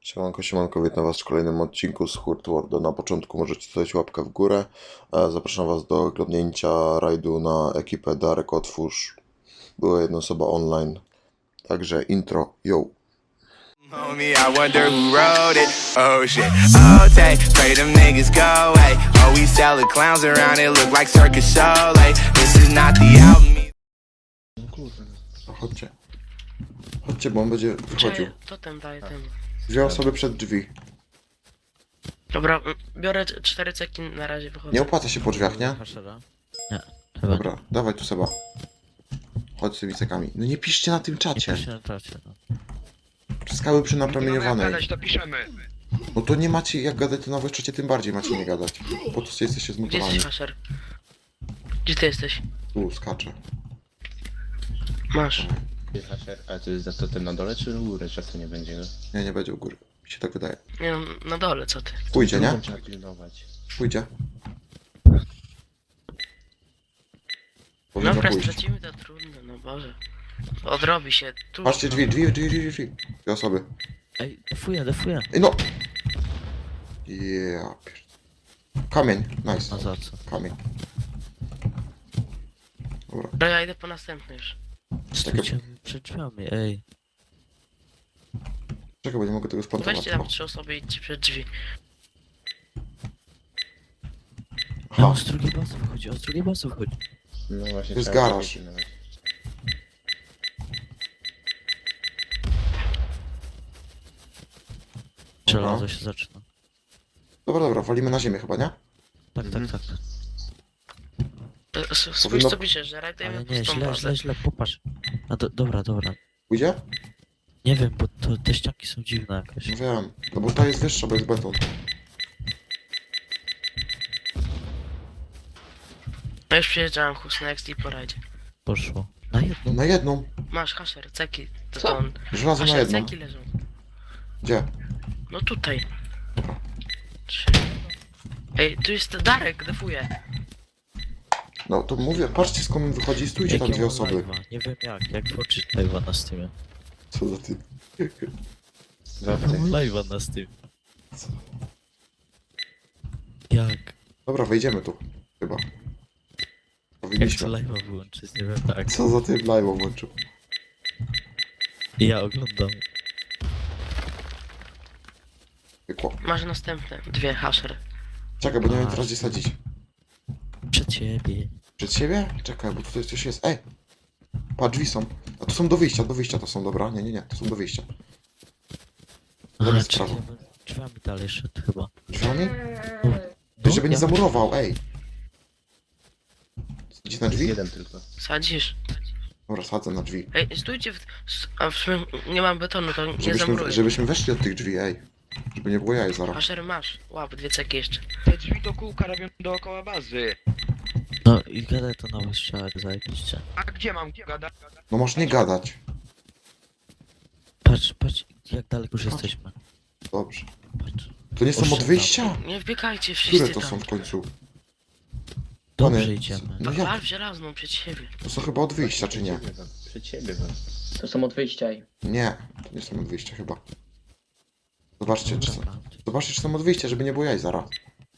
Siemanko, siemanko, witam was w kolejnym odcinku z Hurt Worldu. Na początku możecie zostawić łapkę w górę. Zapraszam was do oglądnięcia rajdu na ekipę Darek Otwórz. Była jedna osoba online. Także intro, yo! Homie, I wonder who wrote it. Oh shit. Oh, take, pray them niggas go away. Oh, we sell the clowns around it, look like circus show. Like, this is not the album. Chodźcie. Chodźcie, bo on będzie wychodził. Totem daje temu. Dwie osoby przed drzwi. Dobra, biorę 4 ceki, na razie wychodzę. Nie opłaca się po drzwiach, nie? Nie, chyba Dobra, dawaj tu Seba. Chodź z tymi cekami. No nie piszcie na tym nie czacie. piszę na czacie, no. Skały przy Nie mamy jak napromieniowanej. gadać, to piszemy. No to nie macie jak gadać to na czacie, tym bardziej macie nie gadać. Po to jesteście Gdzie zmutowani. jesteś, Asher? Gdzie ty jesteś? Tu, skaczę. Masz. A to jest za totem na dole czy u góry? Czasu nie będzie, no? Nie, nie będzie u góry. Mi się tak wydaje. Nie no, na dole, co ty? Pójdzie, nie? Trzeba pilnować. Pójdzie. No Powinno dobra, pójść. stracimy to trudno, no Boże. Odrobi się, tu. Patrzcie, drzwi. Dwie osoby. Ej, defuję. Ej, no! Yeah. Kamień, nice. No za co? Kamień. Dobra. Dobra, ja idę po następny już. Stójcie przed drzwiami, ej. Czekaj, bo nie mogę tego spontować. Weźcie tam 3 osoby i idźcie przed drzwi. No, Aha, z drugiej bazy wychodzi, No właśnie, To jest trzeba garaż. pilnować. Żelazo się zaczyna. dobra, walimy na ziemię chyba, nie? Tak. Spójrz Powinno- co piszesz, że Ale rajdujemy nie, pustą bazę. źle, popatrz. A dobra. Pójdzie? Nie wiem, bo te ścianki są dziwne jakoś. No wiem. No bo ta jest wyższa, bo jest beton. No już przyjeżdżałem Hus na XD po rajdzie. Poszło. Na jedno. Na jedną. Masz Hasher, ceki. To on. Żelazo na Hasher, jedną. ceki leżą. Gdzie? No tutaj. 3. Ej, tu jest Darek, defuje. No to mówię, patrzcie skąd on wychodzi i stójcie tam Jak ja dwie mam osoby. live'a? Nie wiem jak włączyć live'a na Steamie. Co za ty? Zawsze. Mam live'a na Steamie. Jak? Dobra, wejdziemy tu. Chyba. Jak chcę Powinniśmy. live'a wyłączyć, nie wiem tak. Co za ty live'a włączył? Ja oglądam. Pykło. Masz następne. 2 Hasher. Czekaj, bo nie wiem teraz gdzie sadzić. Przed siebie. Przed siebie? Czekaj, bo tutaj coś jest. Ej! Pa, drzwi są. A to są do wyjścia to są, dobra? Nie, to są do wyjścia. Zamiast czekaj, prawo. bo drzwiami dalej szedł chyba. Drzwiami? No, Ty, żeby nie ja- zamurował, ej! Idzie na Jest drzwi? jeden tylko. Sadzisz. Dobra, sadzę na drzwi. Ej, stójcie a w sumie nie mam betonu, to nie zamuruję. Żebyśmy weszli od tych drzwi, ej. Żeby nie było jaj zaraz. Hasher masz. Łap, 2 ceki jeszcze. Te drzwi do kółka robią dookoła bazy. No i gadaj to na wystrzałek, zajebiście. A gdzie mam gadać? No masz nie gadać. Patrz, jak daleko już jesteśmy. Dobrze. Patrz. To nie są od Poszedł wyjścia? Nie wbiegajcie wszyscy Które to tam. są w końcu? Dobrze Pany, idziemy. No Wal jak? w żelazną przed siebie. To są chyba od wyjścia, czy nie? Przed siebie wam. To są od wyjścia i... Nie, to nie są od wyjścia chyba. Zobaczcie, czy są, Dobra, zobaczcie, czy są od wyjścia, żeby nie było jaj zaraz.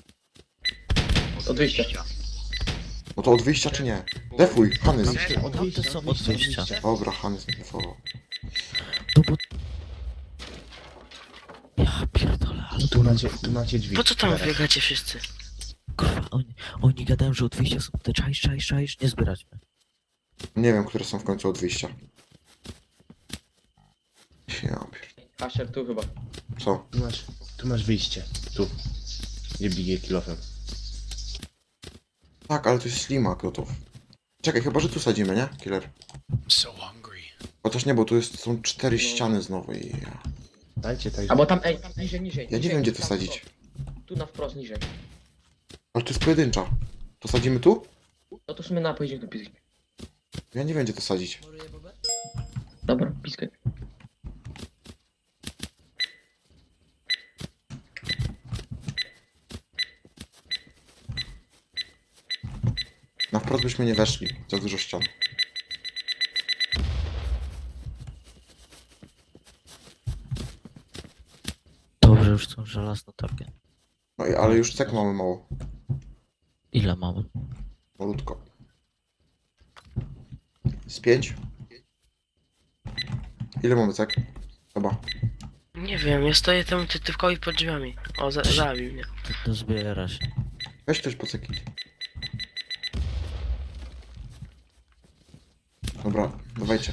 Od wyjścia. No to od wyjścia, czy nie? Defuj, Hanys. Tamte są od wyjścia. Dobra, Hanys nie defował. No bo... Ja pierdolę, ale Tu macie drzwi. Po co tam Teraz. biegacie wszyscy? kurwa, oni gadają, że od wyjścia są te czaisz, nie zbierać mnie. Nie wiem, które są w końcu od wyjścia. Ja pier... Asher tu chyba. Co? Tu masz wyjście. Tu. Nie biję kilofem. Tak, ale to jest ślimak gotów. Czekaj, chyba, że tu sadzimy, nie? Killer. Chociaż nie, bo tu są 4 ściany znowu i... Dajcie tak. Albo tam, niżej. Ja nie wiem, gdzie to sadzić. Tu na wprost, niżej. Ale to jest pojedyncza. To sadzimy tu? No to w sumie pojedziemy do piski. Ja nie wiem, gdzie to sadzić. Dobra, piskę. Na wprost byśmy nie weszli. Za dużo ścian. że już są żelazne takie. No i ale już cek mamy mało. Ile mamy? Malutko. Z 5? Ile mamy cek? Chyba. Nie wiem, ja stoję temu tytywkowi pod drzwiami. O, zabił mnie. To zbiera się. Weź ktoś po ceki. Dobra, dawajcie.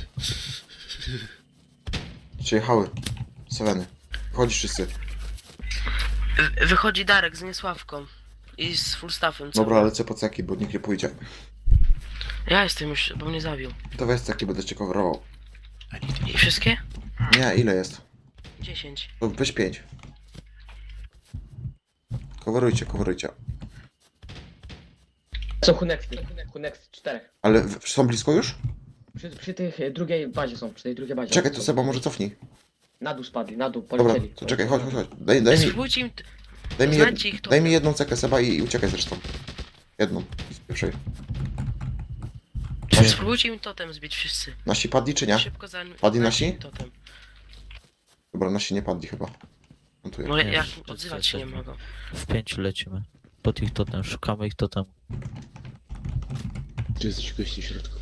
Przyjechały. Seveny. Wchodzisz wszyscy. Wychodzi Darek z Niesławką. I z full staffem. co? Dobra, lecę po ceki, bo nikt nie pójdzie. Ja jestem już, bo mnie zabił. To weź ceki, będę cię coverował. I wszystkie? Nie, ile jest? 10. To weź 5. Coverujcie, coverujcie. Są Hunex 4. Ale są blisko już? Przy tych drugiej bazie są, przy tej drugiej bazie. Czekaj, to Seba, może cofnij. Na dół spadli, na dół, Dobra, polecieli. to czekaj, chodź. Daj mi, Spróbujcie im... daj mi, znajdźcie ich tu. daj mi jedną cekę Seba i uciekaj zresztą. Jedną, z pierwszej. Spróbujcie im totem zbić wszyscy. Nasi padli czy nie? Szybko za... Padli znajdźcie nasi? im Totem. Dobra, nasi nie padli chyba. Montuję. No Nie, jak wszyscy odzywać się nie jesteśmy. mogą. W 5 lecimy. Pod ich totem, szukamy ich totem. Tu jesteś gości w środku.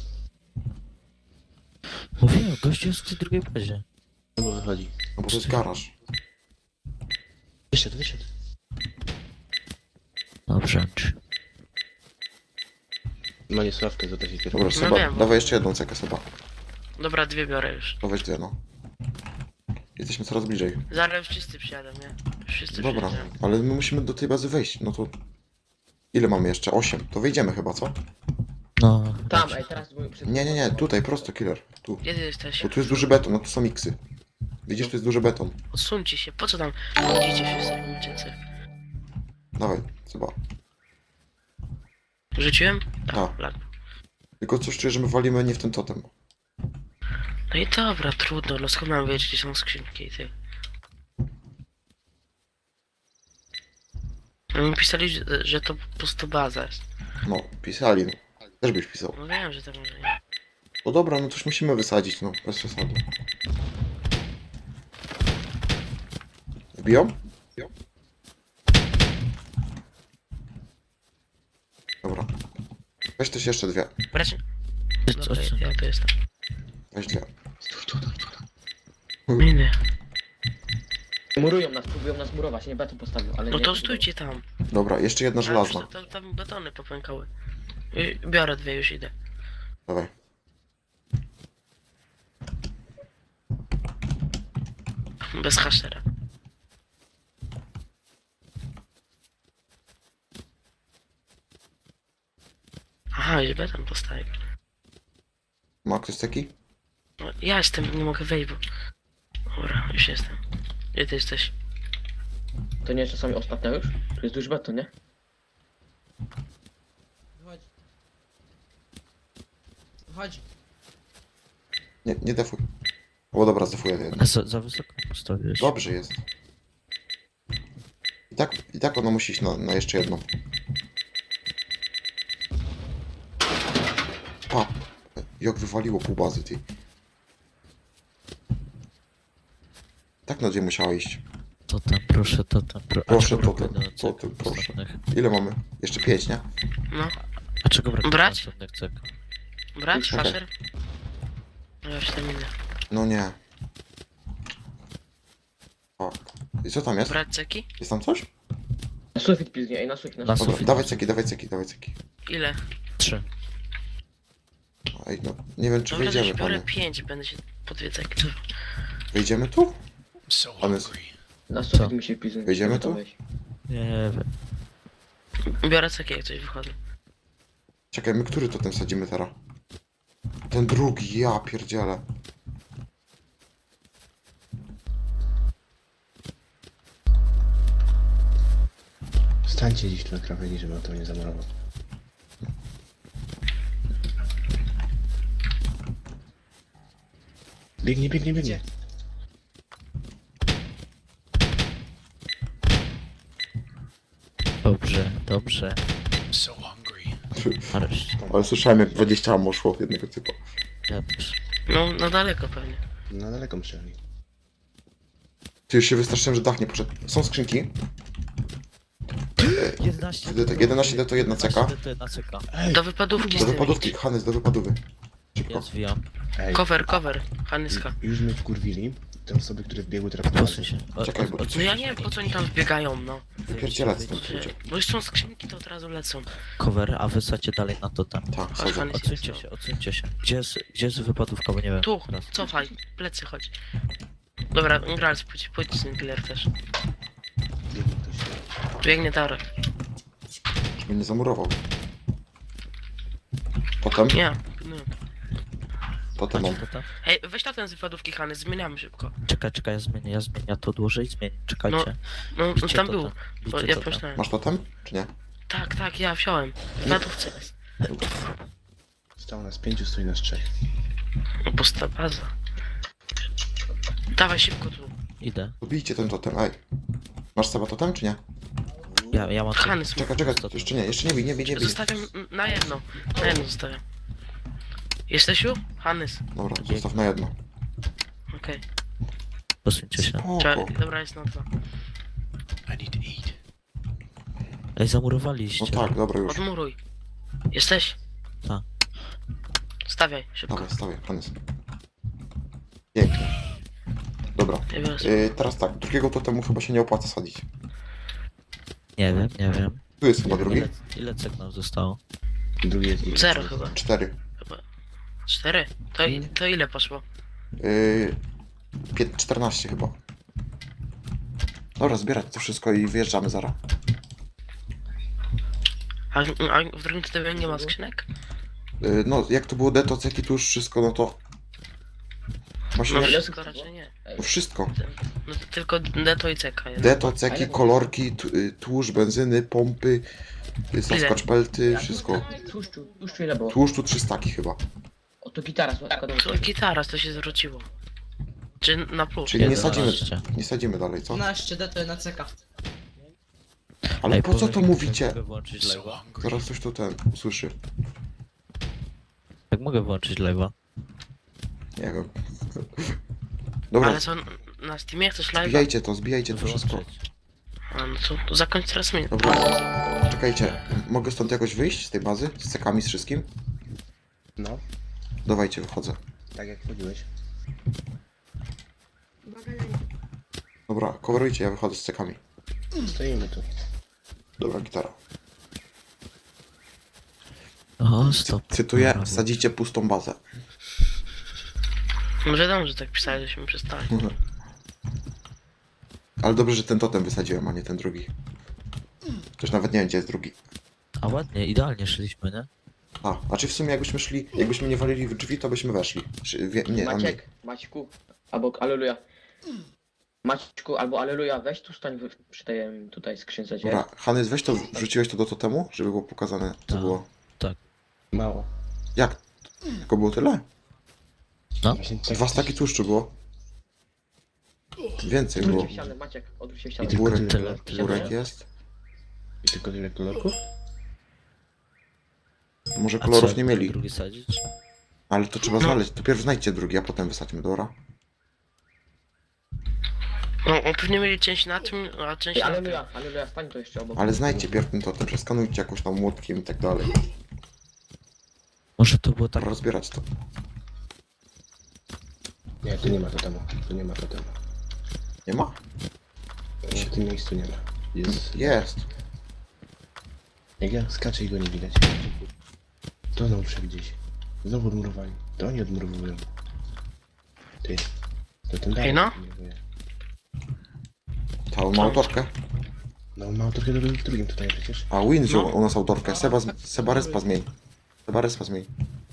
Mówiłem, gościu jest w tej drugiej bazie. No bo wychodzi. No bo to jest garaż. Wysiadł. Dobrze. Ma niesławkę, za to się kieruje. Dobra, No Seba, wiem. dawaj jeszcze jedną cekę Seba. Dobra, 2 biorę już. To weź dwie, no. Jesteśmy coraz bliżej. Zaraz już wszyscy przyjadą, nie? Wszyscy Dobra, przyjadą. ale my musimy do tej bazy wejść, no to... Ile mamy jeszcze? 8. To wyjdziemy chyba, co? No, Tam, dobrze. ej, teraz były przed... Nie, tutaj, prosto, killer. Tu. Gdzie ty jesteś? Bo tu jest duży beton, no tu są miksy. Widzisz, tu jest duży beton. Odsuńcie się, po co tam chodzicie wszyscy w uciece? Dawaj, Seba. Rzuciłem? Tak. Lag. Tylko coś czuję, że my walimy nie w ten totem. No i dobra, trudno, no skąd mam wiedzieć, gdzie są skrzynki i ty. No mi pisali, że to po prostu baza jest. No, pisali, no. Też byś pisał. No wiem, że to może nie. No dobra, no coś musimy wysadzić, no. Bez przesady. Wbiją? Dobra. Weź też jeszcze dwie. Brać... Jest Dobra, coś, ja tu jestem. Weź dwie. Miny. Murują nas, próbują nas murować, nie beton postawił, ale No nie... to stójcie tam. Dobra, jeszcze jedna żelazna. Tam betony popękały. Biorę 2, już idę. Dawaj. Bez haszera. Aha, już beton postawił. Ma ktoś taki? No, ja jestem, nie mogę wejść, bo... Dobra, już jestem. Gdzie ty jesteś? To nie czasami ostatnia już? Tu jest duży beton, nie? Chodź. Nie defuj. O dobra, zdefuję jedno. A za wysoko postawiłeś. Dobrze jest. I tak ona musi iść na jeszcze jedną. Pa! Jak wywaliło pół bazy, ty. Tak na dzień musiała iść. Totem, proszę, totem. Proszę, A czego brakuje totem, do totem, cek proszę. następnych? Ile mamy? Jeszcze 5, nie? No, A czego brakuje do Brać? następnych cek? brać Okej. haszer? No już tam idę. No nie. O. I co tam jest? Brać ceki? Jest tam coś? Na sufit pilnie, ej, na sufit, na Na sufit. Dobra, sufit. dawaj ceki, dawaj ceki, dawaj ceki. Ile? 3. Ej, no, nie wiem czy Dobra, wejdziemy, już biorę panie. 5, będę się po 2 ceki. Wejdziemy tu? Pany, Na sufit Co? musi pilnie. Wejdziemy żeby to tu? wejść. Nie wiem. Biorę ceki, jak coś wychodzę. czekaj, my który totem sadzimy teraz? Ten drugi, ja pierdzielę. Stańcie gdzieś tu na krawędzi, żeby on to nie zamurował. Biegnie. Gdzie? Dobrze. Nareszcie. Ale słyszałem jak 20 ammo szło od jednego typu. Ja też. No, na daleko pewnie. Na daleko myśleli. Ty już się wystraszyłem, że dach nie poszedł. Są skrzynki. 11 11 to 1 ceka. to 1 ceka. Do wypadówki Do z tym wypadówki, idź. Hanys, do wypadówy. Szybko. Ja zwijam. Ej, Cover, Hanyska. już mnie wkurwili. Te osoby, które wbiegły teraz na Posuń się. Czekaj, bo- No ja nie wiem po co oni tam wbiegają, no. Wypierdzielać stąd ludzie. Bo już są skrzynki, to od razu lecą. Cover, a wysadźcie dalej na totem. Tak, Chodź, sadzę. Hanys. Odsuńcie się. Gdzie jest wypadówka, bo nie wiem. Tu, Teraz. cofaj, plecy chodź. Dobra, Grals, pójdź z tym killer też. biegnie ktoś. Tu biegnie Darek. Żeby nie zamurował. Potem? Nie, no. Potem mam. Totem? Hej, weź na ten z wypadówki Hany, zmieniamy szybko. Czekaj, ja zmienię. Ja to odłożę i zmienię. Czekajcie. No, Bicie tam totem. był. Bo Bicie ja totem. pomyślałem. Masz totem? Czy nie? Tak, ja wziąłem. W wypadówce jest. Stało nas 5, stoi nas 3. Pusta baza. Dawaj szybko tu. Idę. Pobijcie ten totem, ej. Masz sobie totem, czy nie? Ja mam... Hany, Czekaj, jeszcze nie bij. zostawiam na jedno. Na jedno zostawiam. Jesteś już? Hanys. Dobra, zostaw na jedno. Okej. Posuńcie się. Spoko. Dobra, jest na dwa. Ej, zamurowaliście. No tak, dobra już. Odmuruj. Jesteś? Tak. Stawiaj, szybko. Dawaj, stawię, Hanys. Pięknie. Dobra. Ja biorę Teraz tak, drugiego totemu chyba się nie opłaca sadzić. Nie wiem. Tu jest chyba drugi. Ile cek nam zostało? Drugi jest... Zero chyba. 4. 4? To ile poszło? 14 chyba. Dobra, zbierać to wszystko i wyjeżdżamy zaraz. A w drugim tytule nie ma skrzynek? No, jak to było detoceki, tu już wszystko, no to... Właśnie, No no, wszystko raczej nie. wszystko. No to tylko deto i ceka jest. Detoceki, kolorki, tłuszcz, benzyny, pompy, saskaczpelty, wszystko. Tłuszczu ile było? Tłuszczu 300 chyba. O, to gitara, słuchaj, To gitara, to się zwróciło. Czy na plus? Czyli nie 11. sadzimy, nie sadzimy dalej, co? 12 DT na CK. Ale Ej, po co to powiem, mówicie? Mogę włączyć live'a? Zaraz coś tu ten usłyszy. Jak mogę włączyć live'a? Nie wiem. Dobra, Ale co, na Steamie chcesz live? zbijajcie to wszystko. Wyłączyć. A no to zakończ teraz mnie. Dobra, czekajcie. Mogę stąd jakoś wyjść z tej bazy? Z cekami, z wszystkim? No, Dawajcie, wychodzę. tak jak wchodziłeś. Dobra, coverujcie, ja wychodzę z cekami. Stoimy tu. Dobra, gitara. O, stop. Cytuję, Dobra, sadzicie pustą bazę. No wiadomo, że tak pisali, żeśmy przestali. Ale dobrze, że ten totem wysadziłem, a nie ten drugi. Też nawet nie wiem, gdzie jest drugi. A ładnie, idealnie szliśmy, nie? A czy w sumie jakbyśmy nie walili w drzwi, to byśmy weszli. Nie, a nie. Maćku, albo Aleluja. Maćku, albo Aleluja, weź tu stań przy tej tutaj skrzynce, gdzie Dobra, Hanys, weź to, wrzuciłeś to do totemu, żeby było pokazane, co Tak. było. Mało. Jak? Tylko było tyle? Właśnie tak 2 staki tłuszczu było. Więcej było. Odwróć się w ścianę, Maciek, odwróć się w ścianę. I tylko Górek, tyle. górek jest. I tylko tyle kolorków? Może A kolorów co, nie mieli. drugi sadzić? Ale to trzeba znaleźć. To pierw znajdźcie drugi, a potem wysadźmy, dobra? No, pewnie mieli część na tym, a część Ej, na tym. Aleluja, stań to jeszcze obok. Ale znajdźcie pierw ten totem, przeskanujcie jakoś tam młotkiem i tak dalej. Może to było tak... Rozbierać to. Nie, tu nie ma totemu. Tu nie ma totemu. Nie ma? W tym miejscu nie ma. Jest. Jest. Jak ja skaczę i go nie widać. To znowu przewidzieć. Znowu odmurowali. To oni odmurowują. Ty. To ten dalej no. odmurowuje. Ta on ma autorkę. No ma trochę do drugim tutaj przecież. A Win wziął No. u nas autorkę. Seba respa zmień. Seba respa zmień.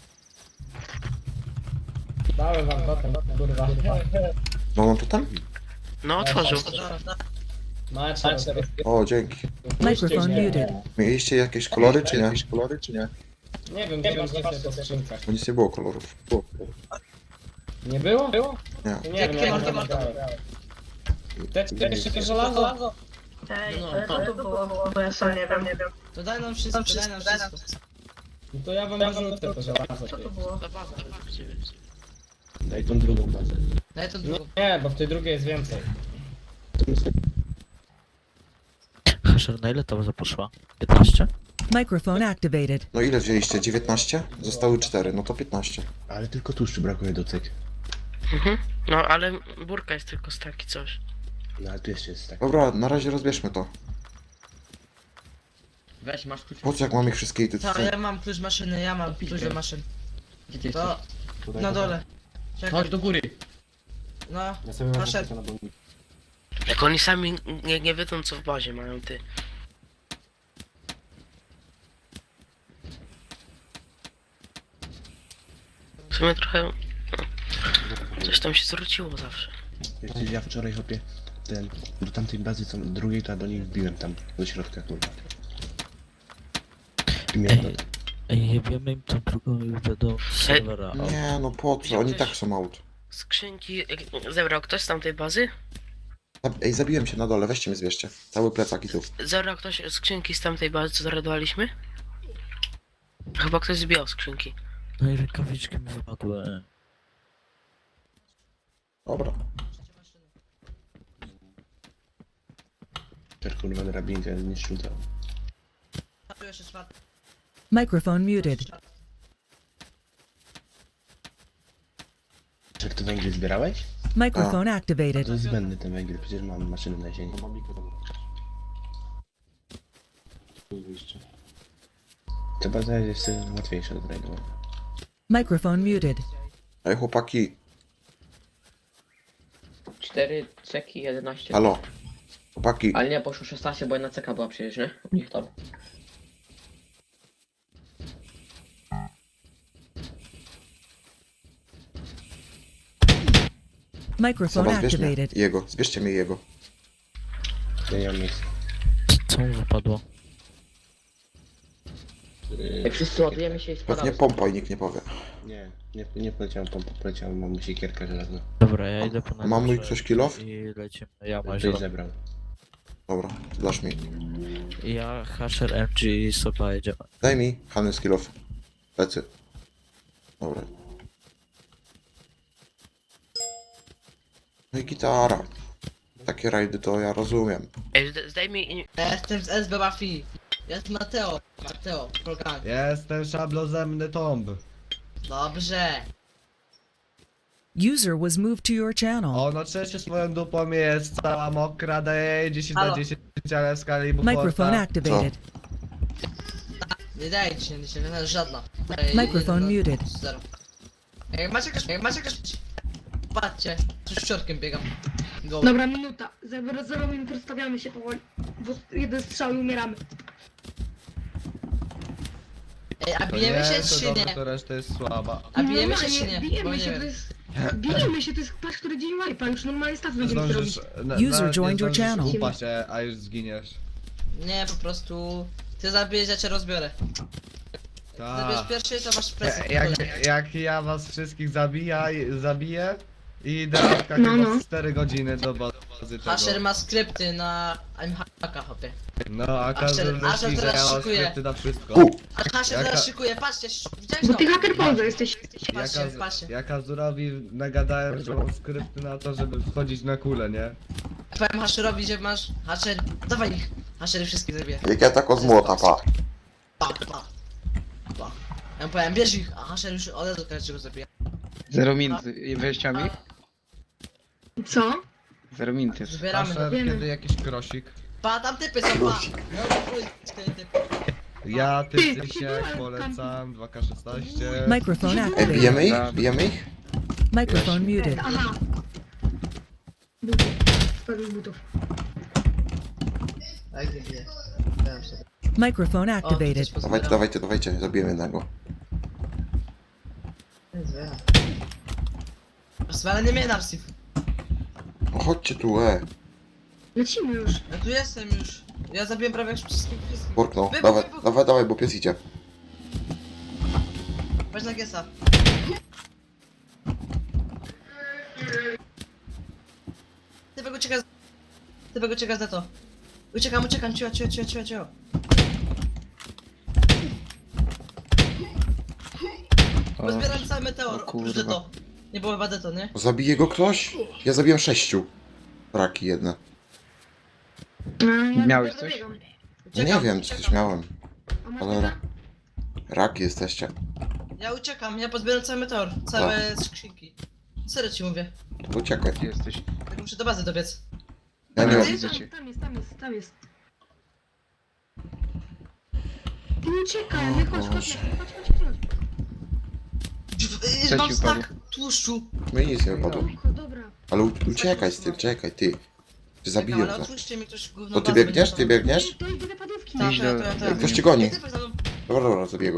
Dałem wam totem, kurwa. No on totem? No, otworzył. Macie, O, dzięki. Microphone muted. Mieliście jakieś kolory, czy nie? Nie wiem, gdzie będzie po skrzynkach. Bo nic nie było kolorów. Nie było? Było? Nie. Nie wiem, jak to grałem. Te jeszcze te żelazo? Ej, ale to tu było, bo ja sam nie wiem. To daj nam wszystko, daj nam wszystko. No to ja wam wyrzucę to żelazo. Co to było? To baza, Daj tą drugą bazę. Daj to drugą. Nie, bo w tej drugiej jest więcej. Hasher, na ile ta baza poszła? 15? Microphone activated. No ile wzięliście? 19? Zostały 4, no to 15. Ale tylko tłuszczu brakuje do cyk. Mhm. No ale burka jest tylko z taki coś. No ale tu jeszcze jest tak. Dobra, na razie rozbierzmy to. Weź, masz klucz. Po co jak mam ich wszystkie i ty Tak, ja mam klucz maszyny, ja mam klucz do maszyn. Gdzie ty To jesteś? na dole. Czekaj. Chodź do góry. No, Ja sobie Hasher. Jak oni sami nie wiedzą co w bazie mają, ty. W sumie trochę... no, coś tam się zwróciło zawsze. Wiesz, ja wczoraj hopie do tamtej bazy co drugiej, to ja do niej wbiłem tam do środka, kurwa. I miałem Ej, wiemy im tą drugą już do serwera. Nie, no po co? Oni tak są out. Skrzynki... Zebrał ktoś z tamtej bazy? Ej, zabiłem się na dole, weźcie mnie zbierzcie. Cały plecak i tu. Zebrał ktoś skrzynki z tamtej bazy, co zaradowaliśmy? Chyba ktoś zbijał skrzynki. No i rękawiczki mi wypadły. Dobra. kurwa drabinkę, nie szczutał. tu jeszcze czwarty. Microphone muted. Czy ty węgiel zbierałeś? Microphone activated. To jest zbędny ten węgiel, przecież mam maszynę na ziemi. To baza jest jeszcze łatwiejsza do znajdowania. Microphone muted. Ej, chłopaki, 4 ceki, 11. halo. Chłopaki, Ale nie, poszło 16, bo jedna ceka była przecież, nie? U nich tam. Microphone Seba, zbierz mnie. activated. Jego, zbierzcie mnie jego. Ja nie mam miejsca. Co mu wypadło? Jak wszyscy ładujemy się i Pewnie spadamy. pompa i nikt nie powie. Nie poleciałem pompą, poleciałem, mam siekierkę żelazną. Dobra, ja idę po Mam mój najlepsze ktoś kill off? I lecimy. Ja mam Ktoś zebrał. Dobra, dasz mi. Ja, Hasher, MG i Soba jedziemy. Daj mi Hany skill off. Plecy. Dobra. No i gitara. Takie rajdy to ja rozumiem. Ej, zdaj mi... Ja jestem z SB Mafii. Jest Mateo. Mateo, program. Jestem szablozemny tomb. Dobrze. User was moved to your channel. Ono trzecie swoją dupą jest cała mokra, daje 10 Halo. na 10, ale w skali Microphone Buforta. activated. Nie daje ci się, żadna. Microphone muted. Zero. Jak macie jakaś... Patrzcie, z szczotkiem biegam. Go. Dobra, minuta. Za 0 minut rozstawiamy się powoli. Bo jeden strzał i umieramy. Ej, a To bijemy nie, się to czy dobrze, nie? to reszta jest słaba. A bijemy się Normalnie, czy nie? Bo Bijemy nie się, wiem. to jest... Bijemy się, to jest patrz, który dzień wipe'a. Już normalnie staw będziemy się robić. Zdążysz, User joined your channel. upaść się, a już zginiesz. Nie, po prostu... Ty zabijesz, ja cię rozbiorę. Zabierz Tak. pierwszy, to masz presję. Jak ja was wszystkich zabiję i idę w No, chyba no. 4 godziny do bazy tego. Hasher ma skrypty na Imhaka, hopie. No, a każdy Asher myśli, że teraz ja mam szykuje. skrypty na wszystko. A Hasher Jaka- teraz szykuje, patrzcie, widziałeś Bo to? ty haker Poldo jesteś. Patrzcie, patrzcie. Ja Kazurowi nagadałem, że mam skrypty na to, żeby wchodzić na kulę, nie? Powiem Hasherowi, że masz... Hasher, dawaj ich. Hasher wszystkich zabije. Jak ja tak od młota, pa. Pa. Ja mu powiem, bierz ich, a Hasher już od razu każdego zabija. 0 minut. Weźcie mi? Co? 0 minut. Zbieramy. Asher, wiemy. kiedy jakiś krosik? Pa, tam typy są, pa. No, chuj, cztery typy. Ja, Ty, ty, ty się byłem polecam, 2K16. Microphone Ej, activated. bijemy ich? Bijemy ich? Microphone muted. Aha. Butów. Spadł butów. Tak, nie bije. Dałem sobie. Microphone O, tu activated. też pozbieram. Dawajcie, zabijemy jednego. Zbieram. Ale nie mnie Narsif. No chodźcie tu, Lecimy już. Ja tu jestem już. Ja zabiłem prawie wszystkich. Burknął. Wybuch. Dawaj, bo pies idzie. Weź na Gesa. Typek ucieka za to. Uciekam, cicho. Rozbieram cały meteor, oprócz kurwa. to. Nie było chyba deto, nie? Zabije go ktoś? Ja zabiłem 6. Braki jedne. Miałeś coś? Ja nie wiem, coś miałem. A masz Ale meta? raki jesteście. Ja uciekam, ja pozbieram cały meteor, całe skrzynki. Serio ci mówię, To uciekaj. Gdzie jesteś? tak muszę do bazy dobiec. Ja nie Dobra, mam. widzę cię. Tam jest. Ty uciekaj, nie chodź. Co Mam ci stak upadło? tłuszczu. My nic nie wypadło. Dobra. Ale uciekaj z tym, czekaj, ty. Ty Czekam, zabiję ale to. otwórzcie mi ktoś gówno To ty bazę biegniesz? będzie Ty biegniesz? To idę do padówki. Tak, Idź to ja, do- to ja, to ja. Ktoś cię goni. Ty za mną. Dobra, zabiję go.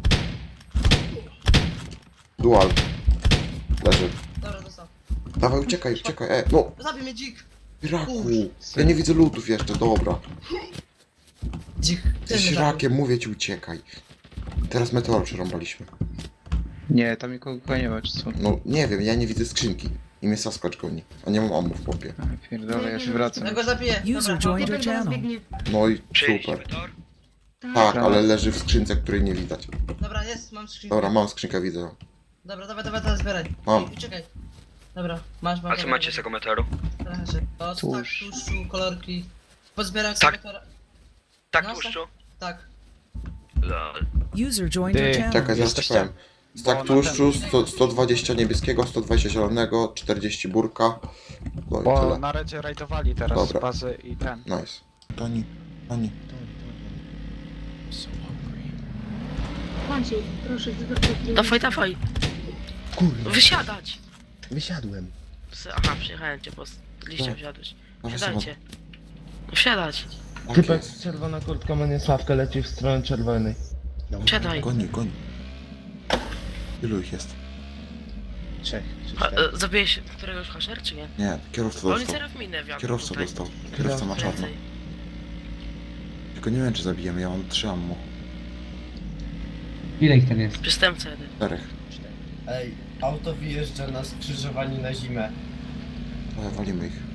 Dual. Leży. Dobra, dostał. Dawaj, uciekaj. No, Zabij mnie dzik. raku. Ja nie widzę lutów jeszcze, dobra. Dzik. Jesteś rakiem, mówię ci, uciekaj. Teraz meteor przerąbaliśmy. Nie, tam nikogo nie ma, czy co? No, nie wiem, ja nie widzę skrzynki. I mnie Sasquatch goni. A nie mam ammo w popie. A, pierdolę, ja się wracam. Ja go zabiję. User Dobra. joined Nie your do nas channel. biegnie. No i super. Tak, ale leży w skrzynce, której nie widać. Dobra, jest, mam skrzynkę. Dobra, mam skrzynkę, widzę ją. Dobra, dawaj, zbieraj. Mam. Ej, uciekaj. Dobra, masz. A co macie z tego meteoru? To tak, Tłuszcz. tłuszczu, kolorki. Pozbieram Tak. sobie to... Tak No, tłuszczu? Tak. Lol. User joined your Ty, channel. Czekaj, zaraz ci powiem. Stak tłuszczu, 120 niebieskiego, 120 zielonego, 40 burka. No i Bo tyle. na redzie rajdowali teraz Dobra. z bazy i ten. Nice. Toni. Maciej, proszę. Dawaj. Kurwa, Wysiadać! wysiadłem. Aha, przyjechałem cię, bo z liścia Tak. wsiadłeś. Dawaj, Wsiadajcie. No wsiadać. Typek z czerwona kurtka ma niesławkę, leci w stronę czerwonej. No, Siadaj. Goni. Ilu ich jest? 3 czy A, 4. zabiłeś któregoś hasher, czy nie? Nie, kierowca Bo oni dostał. teraz minę wiatr Kierowca tutaj. dostał. Kierowca ma czarno. Prędzej. Tylko nie wiem, czy zabijemy, ja mam 3 ammo. Ile ich tam jest? Przestępca jeden. 4. Ej, auto wyjeżdża na skrzyżowaniu na zimę. Ale walimy ich.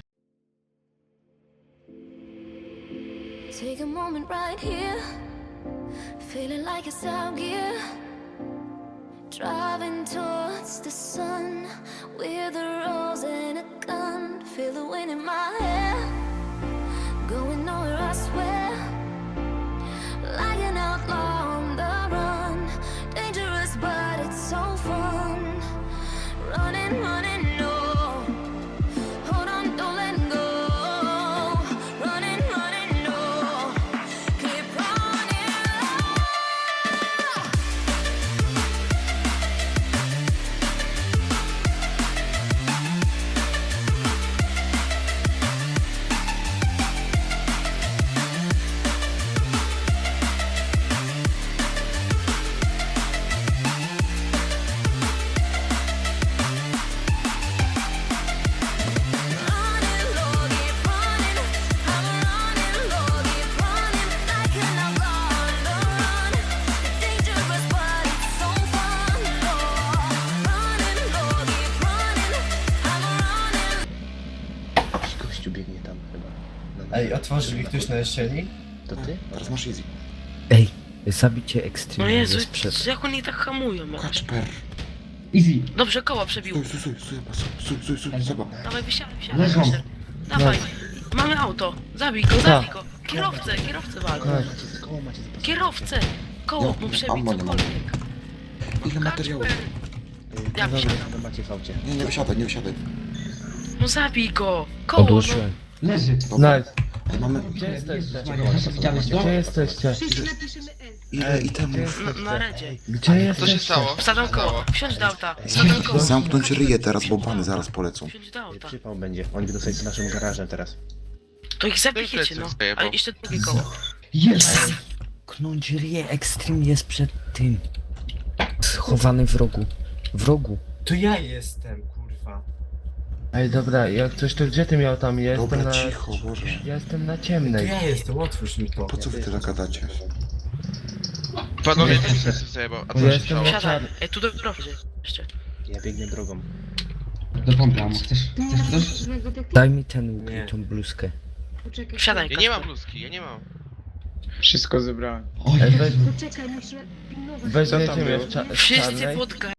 Take a moment right here, feeling like it's out gear. Driving towards the sun with a rose and a gun. Feel the wind in my hair, going nowhere, I swear. Like an outlaw on the run, dangerous but it's so fun. Running, no. Hold on, don't let go. Running, no. Keep running. Running low, keep running. I'm running low, keep running. Like an outlaw on the run. Dangerous, but it's so fun. Running low, keep running. I'm running. Jakiś gościu biegnie tam chyba. No, Ej, otworzył mi ktoś na jesieni? To ty? Teraz masz easy. Ej, zabicie No Extreme Jezu, jest przed... jak oni tak hamują jakoś. Kacper. Easy. Dobrze, koła przebił. Stój, Seba. Dawaj, wysiadaj, hasher. Dawaj. Mamy auto. Zabij go. Kierowcę wal. Koło macie zapasane. Kierowcę. Koło mu przebił, ammo nie mam. cokolwiek. Ile materiałów? Ja wysiadam. To macie w aucie. Nie wysiadaj. No zabij go. Koło, Odłączyłem. Leży. Dobra. Nice. Mamy Gdzie jesteście? Widziałeś go? Gdzie jesteście? Wszyscy napiszemy S. ile itemów. na redzie. Gdzie jesteście? Wsadzam koło. Wsiądź do auta. Wsadzam koło. Zamknąć ryje teraz, bo bany zaraz polecą. Wsiądź do auta. Przypał będzie. Oni będą sobie z naszym garażem teraz. To ich zabijecie, no. A jeszcze drugie koło. Jest! Knąć ryje Extreme jest przed tym. Schowany w rogu. W rogu. To ja jestem, kurwa. Ej, dobra, jak coś to gdzie ty miał tam? Jestem Dobra, na... cicho, Boże. Ja jestem na ciemnej. jestem, otwórz mi to. Po co wy tyle gadacie? Panowie, ja jestem na Wsiadaj. czarnej. Ej, tu do drogi jeszcze. Ja biegnę drogą. Do pompy, amo. Chcesz Nie masz coś? żadnego detektywa. Daj mi ten łuk i tą bluzkę. Poczekaj. Wsiadaj, Kasper. bluzki, ja nie mam. Wszystko zebrałem. Ej, weź, Poczekaj, musimy pilnować. weźmiecie mnie w Wszyscy czarnej. pod